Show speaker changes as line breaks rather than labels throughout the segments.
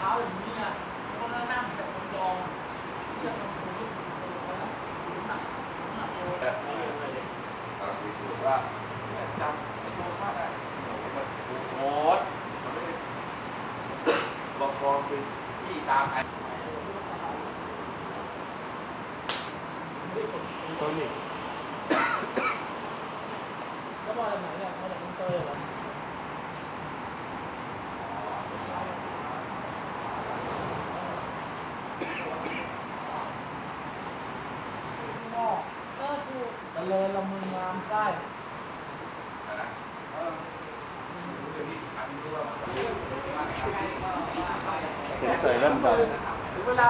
ท้าอย่างนี้นะแล้วก็นั่งแต่คนยองที่จะทำตัวที่นะหนักตัว
คือว่าจำไอ้ตัวชาติได้โค้ดมันไม่ได้บอกกองคือที่ตามไอ้
โซนิกแล้วมาจากไหนเนี่ยมาจากอินเตอร์เหรอถูกเจริญละมึงงามไส้
ใส่แว่นดำ
เวลา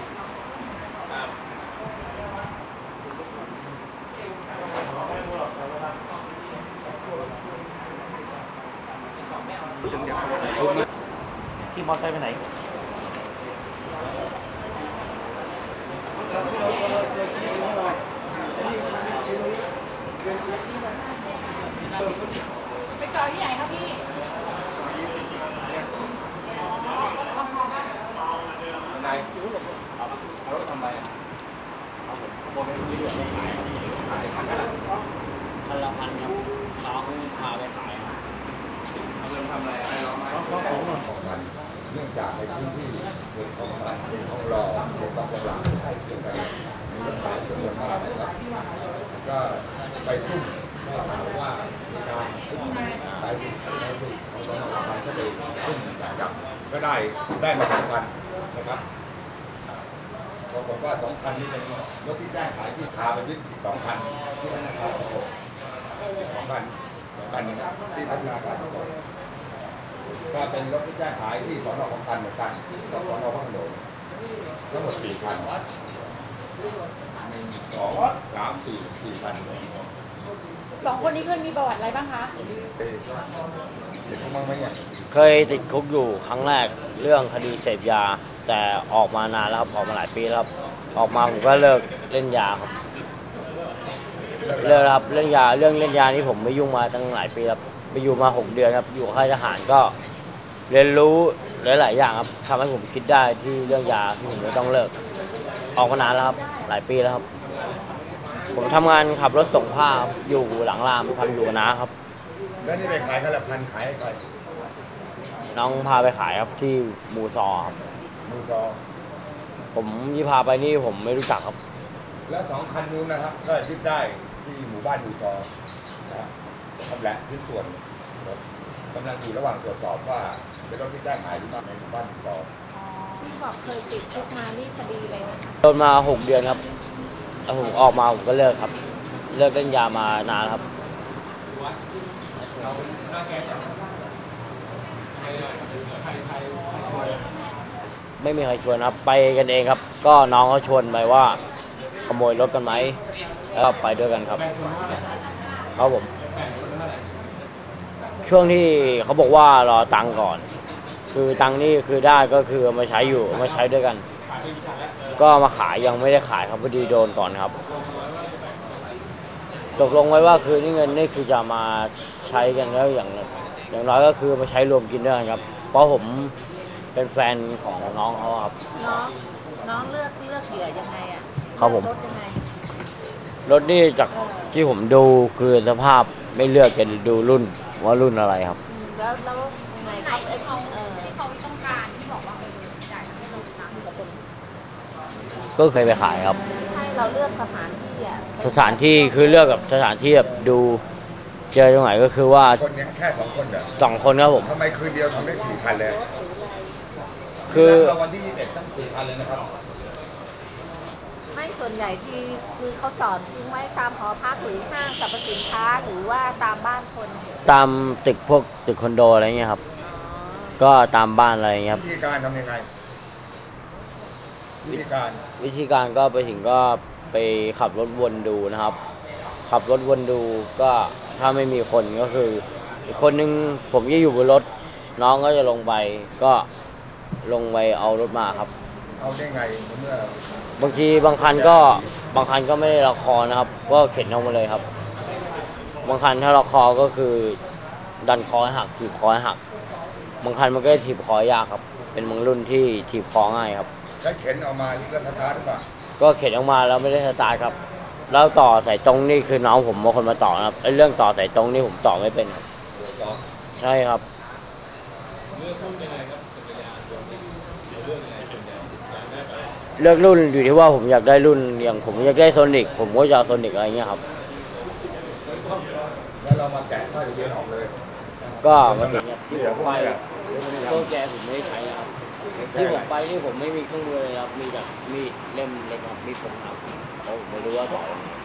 ที่มอไซค์ไปไหน
ไปจอดที่ไหนครับพี่
นายเอารถทำไรเอาผมขโมยไปเรื่อยๆขายคันละ
คันละพันครับน้องพาไปขาย
เอาเงินทำอะไรให้ร้องไหม
ของมันเนื่องจากในพื้นที่เขตของมันเขตของรอเขตบางหลังใกล้เคียงกันมีรถสายจำนวนมากนะครับก็ไปซุ่มได้ข่าวว่ามีการสายสืบของตำรวจมันก็ไปซุ่มจับก็ได้มา2 คันนะครับปรากฏว่า2 คันนี้เป็นรถที่แจ้งขายที่พาไปยึดอีก2 คันที่พนักงานสอบสวน2 คันนี้ที่พัฒนาการสอบสวนก็เป็นรถที่แจ้งขายที่สน.คลองตันเหมือนกันสน.พระโขนงทั้งหมด4 คัน1 2 3 4 คัน
2 คนนี้เคยมีประวัติอะไรบ้างคะ
เด็กมั้งไหมเนี่ย
เคยติดคุกอยู่ครั้งแรกเรื่องคดีเสพยาแต่ออกมานานแล้วครับออกมาหลายปีแล้วครับออกมาผมก็เลิกเล่นยาครับเลิกครับเรื่องเล่นยานี่ผมไม่ยุ่งมาตั้งหลายปีครับไปอยู่มา6 เดือนครับอยู่ค่ายทหารก็เรียนรู้หลายๆอย่างครับทำให้ผมคิดได้ที่เรื่องยาที่ผมไม่ต้องเลิกออกมานานแล้วครับหลายปีแล้วครับผมทำงานขับรถส่งผ้าอยู่หลังรามทำอยู่กับน้าครับ
แล้วนี่ไปขายคันละพันขายให้ใคร
น้องพาไปขายครับที่มูซอครับ
มูซอ
ผมที่พาไปนี่ผมไม่รู้จักครับ
แล้ว2 คันนู้นนะครับก็ยึดได้ที่หมู่บ้านมูซอนะครับทำแหละชิ้นส่วนกำลังอยู่ระหว่างตรวจสอบว่าเป็นรถที่แจ้งหายหรือเปล่าในหมู่บ้านมูซอ
ที่บอกเคยติดคุกมานี่คดีอะไรนะคะ
โดนมา6 เดือนครับแล้วผมออกมาผมก็เลิกครับเลิกเล่นยามานานครับไม่มีใครชวนครับไปกันเองครับก็น้องเขาชวนไปว่าขโมยรถกันไหมแล้วก็ไปด้วยกันครับครับผมช่วงที่เขาบอกว่ารอตังค์ก่อนคือตังค์นี่คือได้ก็คือมาใช้อยู่มาใช้ด้วยกันก็มาขายยังไม่ได้ขายครับพอดีโดนก่อนครับตกลงไว้ว่าคือนี่เงินนี่คือจะมาใช้กันแล้วอย่างน้อยก็คือมาใช้รวมกินด้วยกันครับเพราะผมเป็นแฟนของน้องเขาครับ
น้องเลือกเหยื่อยังไงอ่ะ
ครับผม
รถยังไง
รถนี่จากที่ผมดูคือสภาพไม่เลือกจะดูรุ่นว่ารุ่นอะไรครับ
แล้วยังไง
ไหนที่เขาต้องการที่บอกว่าจ่ายให้เราตังค์กับคน
ก็เคยไปขายครับ
ไม่ใช่เราเลือกสถานที่อ่ะ
สถานที่คือเลือกกับสถานที่แบบดูเจอตรงไหนก็คือว่า
คนนี้แค่2 คนเหรอ
2 คนครับผม
ทำไมคืนเดียวทำได้4 คันเลย
คือ
วันที่21ตั้ง4 คันเลยนะครับ
ไม่ส่วนใหญ่ที่คือเขาจอดทิ้งไว้ตามหอพักหรือห้างสรรพสินค้าหรือว่าตามบ้านคน
ตามตึกพวกตึกคอนโดอะไรเงี้ยครับก็ตามบ้านอะไรเงี้ย
วิธีการทำยังไงวิ
ธีการก็ไปถึงก็ไปขับรถวนดูนะครับขับรถวนดูก็ถ้าไม่มีคนก็คืออีกคนนึงผมจะอยู่บนรถน้องก็จะลงไปก็ลงไปเอารถมาครับ
เอาได้ไงเมื่
อบางทีบางคันก็ไม่ได้ล็อกคอนะครับก็เข็นออกมาเลยครับบางคันถ้าล็อกคอก็คือดันคอให้หักถีบคอให้หักบางคันมันก็ถีบคอยากครับเป็นบางรุ่นที่ถีบคอง่ายครับ
ใช้เข็นออกมาแล้วสตาร์ทหรือเปล่า
ก็เข็นออกมาแล้วไม่ได้สตาร์ทครับแล้วต่อสายตรงนี่คือน้องผมเป็นคนมาต่อนะครับไอ้เรื่องต่อสายตรงนี่ผมต่อไม่เป็นครับใช่ครับเลือกรุ่นอยู่ที่ว่าผมอยากได้รุ่นอย่างผมอยากได้โซนิกผมก็จะเอาโซนิกอะไรเงี้ยครับ
แล้วเรามาแกะผ้าทะเบียนออกเลย
ก็มาถึงเนี่ยที่
เดี๋
ผ
ยว
ม
พวก
ไป
นี้แหละ
เครื่องแกผมไม่ได้ใช้นะครับที่ผมไปนี่ผมไม่มีเครื่องมือเลยครับมีแต่มีดเล่มเล็กครับมีดผมครับเพราะผมไม่รู้ว่าต่อยังไง